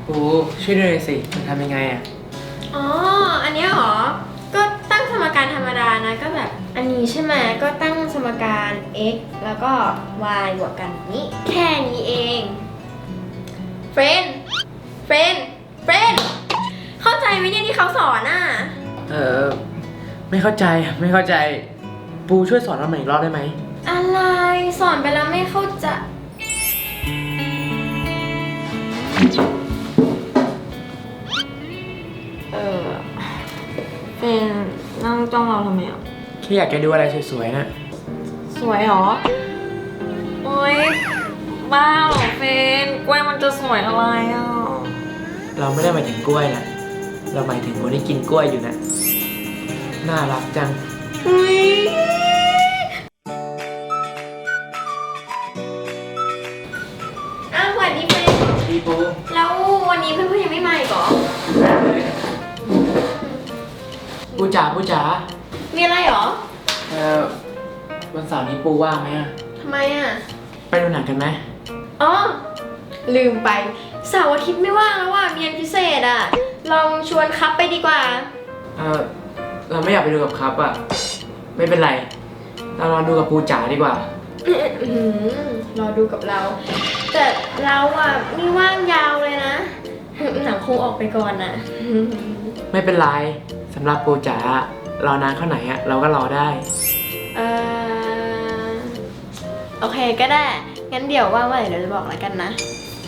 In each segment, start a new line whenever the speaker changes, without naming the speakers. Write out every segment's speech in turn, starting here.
ปูช่วยด้วยสิมันทำยังไงอ่ะ
อ๋ออันนี้เหรอก็ตั้งสมการธรรมดานะก็แบบอันนี้ใช่ไหมก็ตั้งสมการ x แล้วก็ y บวกกันนี้แค่นี้เองเฟรนเข้าใจไหมเนี่ยที่เขาสอนอ่ะ
ไม่เข้าใจปูช่วยสอนเราใหม่อีกรอบได้ไหม
อะไรสอนไปแล้วไม่เข้าใจเป็นนั่งจ้องเราทำไมอ่ะ
แค่อยากจะดูอะไรสวยๆนะ
สวยหรอโอ๊ยบ้าเหรอเฟนกล้วยมันจะสวยอะไรอ่ะ
เราไม่ได้หมายถึงกล้วยนะเราหมายถึงคนที่กินกล้วยอยู่นะน่ารักจัง
อุ๊ยสวัสดีเฟน
ดีปู
แล้ววันนี้เพื่อนๆยังไม่มาอีกเหรอ
ปูจ๋า
มีอะไรเหรอ
วันเสาร์นี้ปูว่างไหมอะ
ทำไมอ่ะ
ไปดูหนังกันไหม
อ๋อลืมไปเสาร์อาทิตย์ไม่ว่างแล้วว่ะมีอันพิเศษอ่ะลองชวนคัพไปดีกว่า
เราไม่อยากไปดูกับครับอะไม่เป็นไรเราลองดูกับปูจ๋าดีกว่าร
อดูกับเราแต่เราอ่ะไม่ว่างยาวเลยนะหนังคงออกไปก่อนน่ะ
ไม่เป็นไรสำหรับปูจ๋ารอนานเท่าไหร่อะเราก็รอได้
โอเคก็ได้งั้นเดี๋ยวว่างเมื่อไหร่เดี๋ยวจะบอกแล้วกันนะ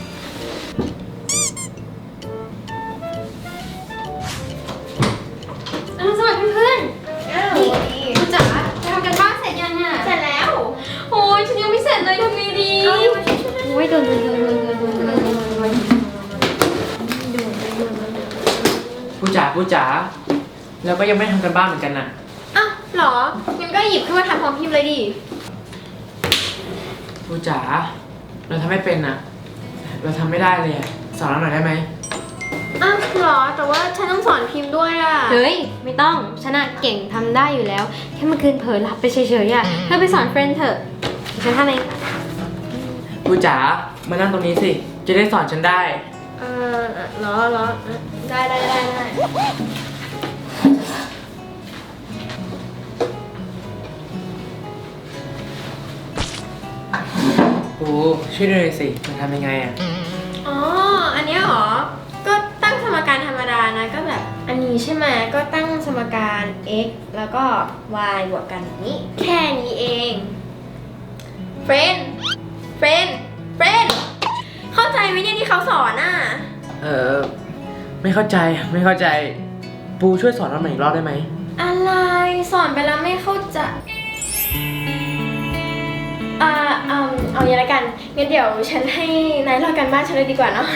สวัสดีเพื่อน
นี่
คุณจ๋าจะทำกันบ้านเสร็จยังอ่ะ
เสร็จแล้ว
โอ้ยฉันยังไม่เสร็จเลยทำไงดีโอ้ยโดน
ปูจ๋าเราก็ยังไม่ทำกันบ้านเหมือนกันนะ
อ้าวหรองั้นก็หยิบขึ้นมาทำพร้อมพิมพ์เลยดิ
ปูจ๋าเราทำไม่เป็นนะเราทำไม่ได้เลยสอนเราหน่อยได้ไหม
อ้าวหรอแต่ว่าฉันต้องสอนพิมพ์ด้วยอ่ะ
เฮ้ยไม่ต้องฉันอะเก่งทำได้อยู่แล้วแค่เมื่อคืนเผลอหลับไปเฉยๆอ่ะเธอไปสอนเฟรนด์เถอะฉันทำเอง
ปูจ๋ามานั่งตรงนี้สิจะได้สอนฉันได้
หรอได้
ปูช่วยด้วยสิมันทำยังไงอ่ะ
อ๋ออันนี้เหรอก็ตั้งสมการธรรมดานะก็แบบอันนี้ใช่ไหมก็ตั้งสมการ x แล้วก็ y บวกกันนี้แค่นี้เองเฟรนเข้าใจไหมเนี่ยที่เขาสอนอ่ะ
ไม่เข้าใจปูช่วยสอนเราใหม่อีกรอบได้ไหม
อะไรสอนไปแล้วไม่เข้าใจเอาอย่างไรกันงั้นเดี๋ยวฉันให้นายเล่ากันบ้านฉันเลยดีกว่าเนาะ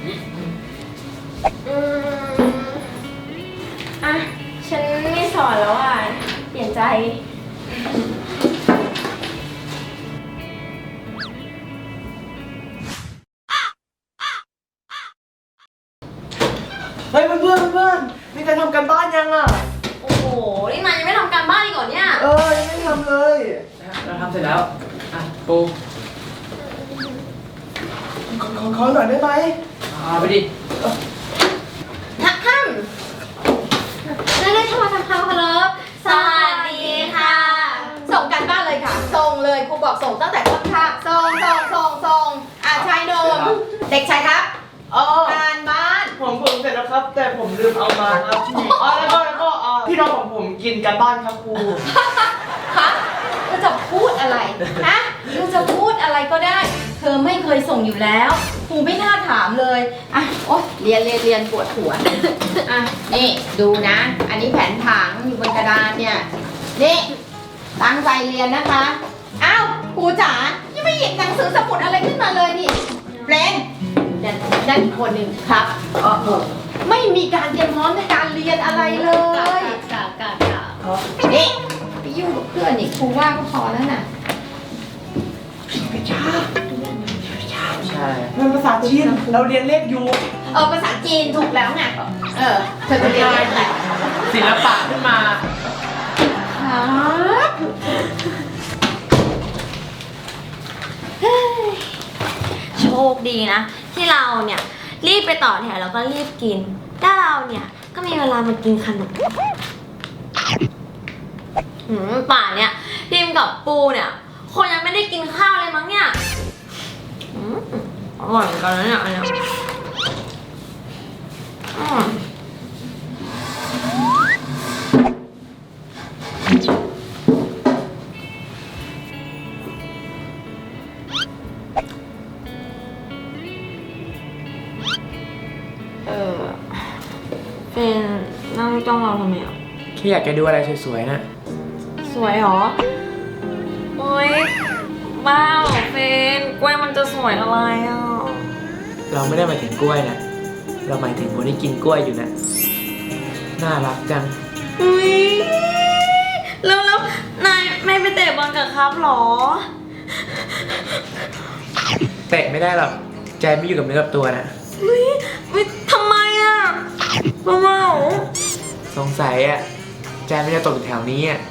ฉันไม่สอนแล้วอ่ะเปลี่ยนใจ
เฮ้ยเพื่อนนี่ใครทำกันบ้านยังอ่ะ
โอ้โหนี่นายยังไม่ทำการบ้านอีกเหรอเนี่ย
ยังไม่ทำเลยเราทำเสร็จแล้วปูขอหน่อยได้ไหมไปดิ
ท่านได้ทำมาทำความเคารพสวัสดีค่ะ
ส่งกันบ้านเลยค่ะส่งเลยครูบอกส่งตั้งแต่ต้นค่ะส่งชายโดมเด็กชายครับการบ้าน
ผมเสร็จแล้วครับแต่ผมลืมเอามาครับแล้วก็พี่น้องของผมกินกันบ้านครับครู
คะเราจะพูดอะไรฮะเราจะพูดอะไรก็ได้เธอไม่เคยส่งอยู่แล้วครูไม่น่าถามเลยอ่ะโอ๊ยเรียนปวดหัวอ่ะนี่ดูนะ อันนี้แผนผังอยู่บนกระดานเนี่ยนี่ตั้งใจเรียนนะคะอ้าวครูจ๋ายังไม่หยิบหนังสือสมุดอะไรขึ้นมาเลยนี่เรนนั่นอีกคนหนึ่งครับไม่มีการเตรียมพร้อมในการเรียนอะไรเลยนี่ไปยุ่งกับเพื่อนนี่ครูว่าก็พอแล้วน่ะ
ใช่มันภาษาจีนเราเรียนเลขยู
ภาษาจีนถูกแล้วไงเธอจะเรียนอะไร
ศิลปะขึ้นมา
ครับ
โชคดีนะที่เราเนี่ย
รีบไปต่อแถวแล้วก็รีบกินถ้าเราเนี่ยก็มีเวลามากินขนมป่านเนี่ยพิมกับปูเนี่ยคนยังไม่ได้กินข้าวเลยมั้งเนี่ยอร่อยเหมือนกันนะเนี่ยอันเนี้ยเป็นนั่งจ้องเราทำไมอ่ะ
แค่อยากจะดูอะไรสวยๆนะ
สวยเหรอ โอ๊ยบ้าเหรอเฟนกล้วยมันจะสวยอะไรอ่ะ
เราไม่ได้หมายถึงกล้วยนะเราหมายถึงคนที่กินกล้วยอยู่นะน่ารักจัง
อุ้ยแล้วนายไม่ไปเตะบอลกับครับหรอ
เตะไม่ได้หรอกใจไม่อยู่กับเนื้อกับตัวนะ
ไม่ทำไมอ่ะเมา
สงสัยอ่ะใจไม่ได้ตกอยู่แถวนี้อ่ะ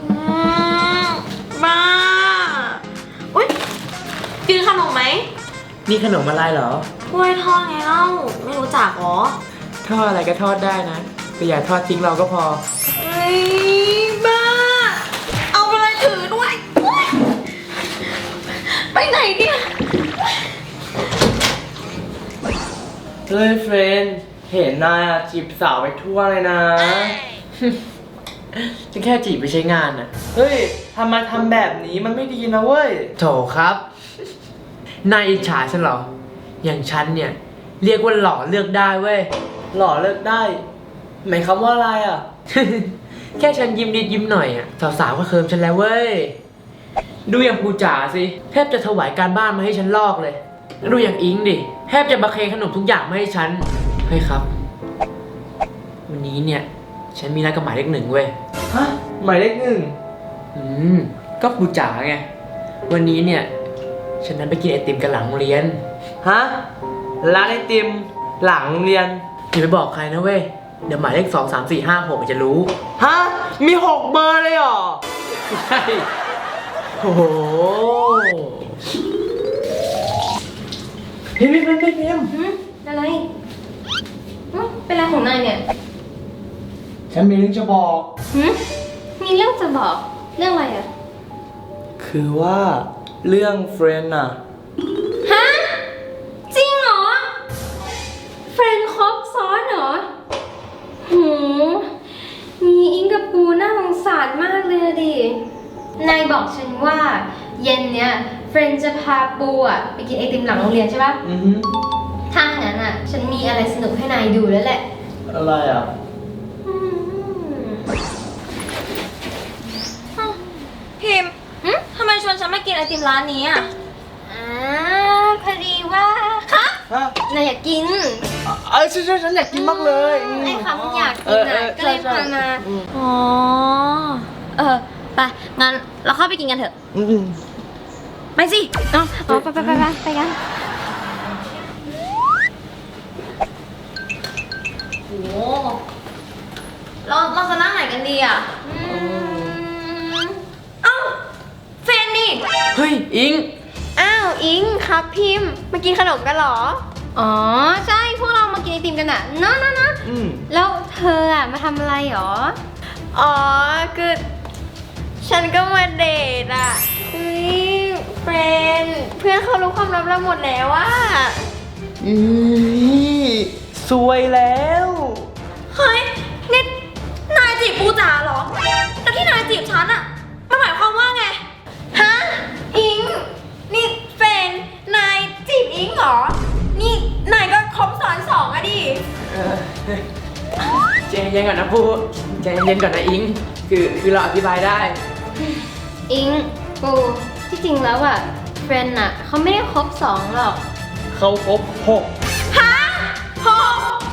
บ้าอุ้ยกินขนมไหม
นี่ขนมอะไรเหรอก
ล้วยทอดไงเล่าไม่รู้จักหรอ
ทอดอะไรก็ทอดได้นะแต่อย่าทอดทิ้งเราก็พอ
เฮ้ยบ้า เอาไปเลยถือด้วยอุ๊ยไปไหนเนี่ย
เฮ้ยเฟรนด์เห็นนายอะจีบสาวไปทั่วเลยนะ
ฉันแค่จีบไปใช้งานน่ะ
เฮ้ยทำไมทำแบบนี้มันไม่ดีนะเว้ย
โถครับนายอิจฉาฉันเหรอ อย่างฉันเนี่ยเรียกว่าหล่อเลือกได้เว้ย
หล่อเลิกได้หมายความว่าอะไรอ่ะ
แค่ฉันยิ้มนิดยิ้มหน่อยอ่ะสาวๆก็เคิมฉันแล้วเว้ย ดูอย่างปูจ๋าสิแทบจะถวายการบ้านมาให้ฉันลอกเลย ดูอย่างอิงดิแทบจะบะเคนขนมทุกอย่างมาให้ฉันเฮ้ยครับ วันนี้เนี่ยฉันมีนัดกับหมายเลขหนึ่งเว้ย
ฮะ หมายเลขหนึ่ง
ก็ปูจ๋าไงวันนี้เนี่ยฉันนั้นไปกินไอติมกันหลังโรงเรียน
ฮะ ร้านไอติมหลังโรงเรียน
อย่าไปบอกใครนะเว้ยเดี๋ยวหมายเลข2 3 4 5 6มันจะรู้
ฮะ มี6เบอร์เลยเหรอ
ใช่โอ้โห
พิมพ์พิมพ์พิมพ์พิมพ์
อะไรเป็นอะไรของนายเนี่ย
ฉันมีเรื่องจะบอก
มีเรื่องจะบอกเรื่องอะไรอ่ะ
คือว่าเรื่องเฟรนด์อะ
ฮะ จริงเหรอ เฟรนด์ครบซ้อนเหรอหูมีอิงกับปูน่าสงสารมากเลยอะดิ นายบอกฉันว่า เย็นเนี้ยเฟรนด์จะพาปูอ่ะไปกินไอติมหลังโรงเรียนใช่ปะ
อือฮึ
ถ้างั้นอ่ะ ฉันมีอะไรสนุกให้นายดูแล้วแหละ
อะไรอ่ะ
พิมพ์ทำไมชวนฉันมากินไอติมร้านนี้อ่ะ
พอดีว่า
ฮะ
นายอยากกิน
ฉันอยากกินมากเลย
ไอ้คำอยากกินอ่ะ ก็เลยพามา
อ๋อ ไป งั้นเราเข้าไปกินกันเถอะ ไปสิ
ไปกัน
โอ้เราจะนั่งไหนกันดีอ่ะ เอ้าเฟนนี่
เฮ้ยอิง
อ้าว อิงครับพิมพ์มากินขนมกันเหรอ
อ๋อ ใช่ พวกเรามากินไอติมกันอ่ะเนอะแล้วเธออ่ะมาทำอะไรหรอ
อ๋อ คือ ฉันก็มาเดทอ่ะเฮ้ยเฟรนเพื่อนเขารู้ความลับเราหมดแล้วว่า
สวยแล้ว
เฮ้ยนี่นายจีบปูจ๋าเหรอ แล้วที่นายจีบฉันอะมันหมายความว่าไง ฮะ อิง นี่เฟนนายจีบอิงเหรอ นี่นายก็คบซ้อนสองอะดิ
ใจเย็นก่อนนะปูใจเย็นก่อนนะอิง คือเราอธิบายได้
อิงปูที่จริงแล้วอ่ะเฟรนด์อ่ะเขาไม่ได้คบ2หรอก
เขาครบ6
ฮะพอ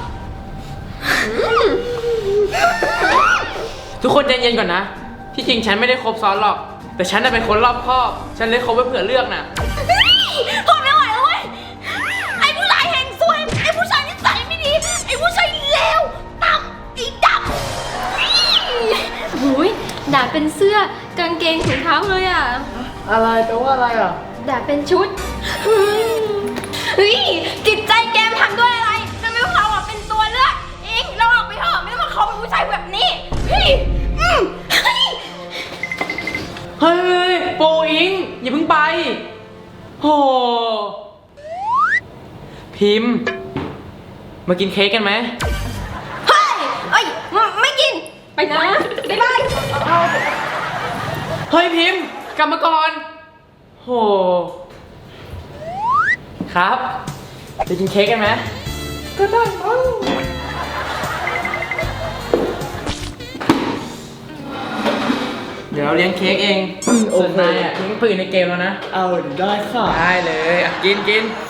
ทุกคนใจเย็นก่อนนะ ที่จริงฉันไม่ได้คบซ้อนหรอก แต่ฉันน่ะเป็นคนรอบคอบ ฉันเลยคบไว้เผื่อเลือกน่ะ
พอไม่ไหวแล้วเว้ย ไอ้ผู้ชายแห่งซวย ไอ้ผู้ชายนิสัยไม่ดี ไอ้ผู้ชายเลวต่ำไอ้ดำ
หูยด่าเป็นเสื้อกางเกงถุงเท้าเลยอ่ะ
อะไรแปลว่าอะไรอ่ะ
ด่าเป็นชุด
เฮ้ยจิตใจแกมทำด้วยอะไร
พิมพ์ มากินเค้กกันไหม
เฮ้ยเอ้ยไม่กิน ไปนะ บ๊ายบาย
เฮ้ยพิมพ์กลับมาก่อน โห ครับ ไปกินเค้กกันไหม
ก็ได้มั้ง
เดี๋ยวเราเลี้ยงเค้กเอง ส่วนนายอ่ะทิ้งปืนในเกมแล้วนะ
เอาได้ค่ะ
ได้เลยอ่ะกิน